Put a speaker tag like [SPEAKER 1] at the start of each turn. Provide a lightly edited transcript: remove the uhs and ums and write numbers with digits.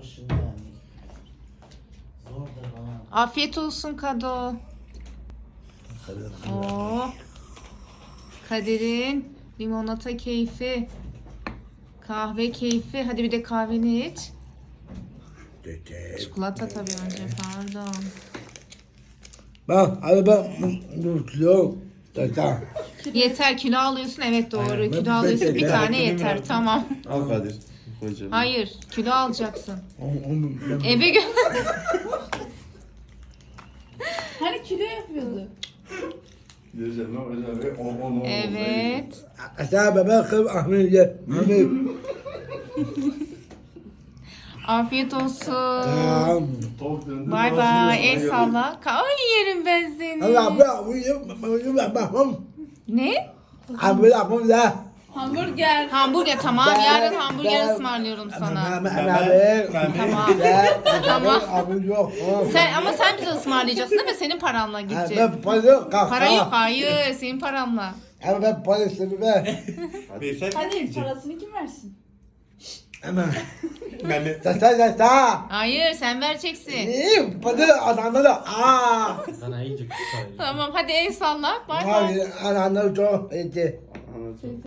[SPEAKER 1] çalışıyor yani. Zor da bana.
[SPEAKER 2] Afiyet olsun Kado. Oo. Kadir'in limonata keyfi. Kahve keyfi. Hadi bir de kahveni iç. Çikolata tabii önce, pardon.
[SPEAKER 3] Bak hadi ben kilo tata.
[SPEAKER 2] Yeter, kilo alıyorsun, evet doğru.
[SPEAKER 3] Aynen,
[SPEAKER 2] Kilo
[SPEAKER 3] ben
[SPEAKER 2] alıyorsun,
[SPEAKER 3] de-
[SPEAKER 2] bir tane yeter, tamam.
[SPEAKER 4] Al Kadir. Koyacağım.
[SPEAKER 2] Hayır, kilo alacaksın. Eve gö...
[SPEAKER 5] Hani kilo yapıyordu.
[SPEAKER 4] Diyeceğim lan hocam. On
[SPEAKER 2] Evet.
[SPEAKER 3] Asa bebek kız Ahmet ye. Ahmet.
[SPEAKER 2] Afiyet olsun.
[SPEAKER 3] Tamam.
[SPEAKER 4] Tavuk döndü.
[SPEAKER 2] Bay bay, el salla. Ay yerim ben seni.
[SPEAKER 3] Allah bırak uyuyup bakmam.
[SPEAKER 2] Ne?
[SPEAKER 3] Abi yapmam da.
[SPEAKER 5] Hamburger.
[SPEAKER 2] Hamburger, tamam. Yarın hamburger ısmarlıyorum sana. Tamam. Tamam.
[SPEAKER 3] Abi yok.
[SPEAKER 2] Ama sen bize ısmarlayacaksın değil mi? Senin paranla gideceğiz.
[SPEAKER 3] Ben para yok.
[SPEAKER 2] Para yok, hayır. Senin paranla.
[SPEAKER 3] Ama ben parasını ver.
[SPEAKER 5] Hadi parasını kim versin?
[SPEAKER 3] Ama.
[SPEAKER 4] Ben de.
[SPEAKER 3] Tata.
[SPEAKER 2] Hayır, sen vereceksin.
[SPEAKER 3] İyi. Para adamlara. Aa.
[SPEAKER 1] Sana iyice kusar.
[SPEAKER 2] Tamam, hadi el salla. Bay bay.
[SPEAKER 3] Abi adamlar çok iyiydi.
[SPEAKER 4] Anladım.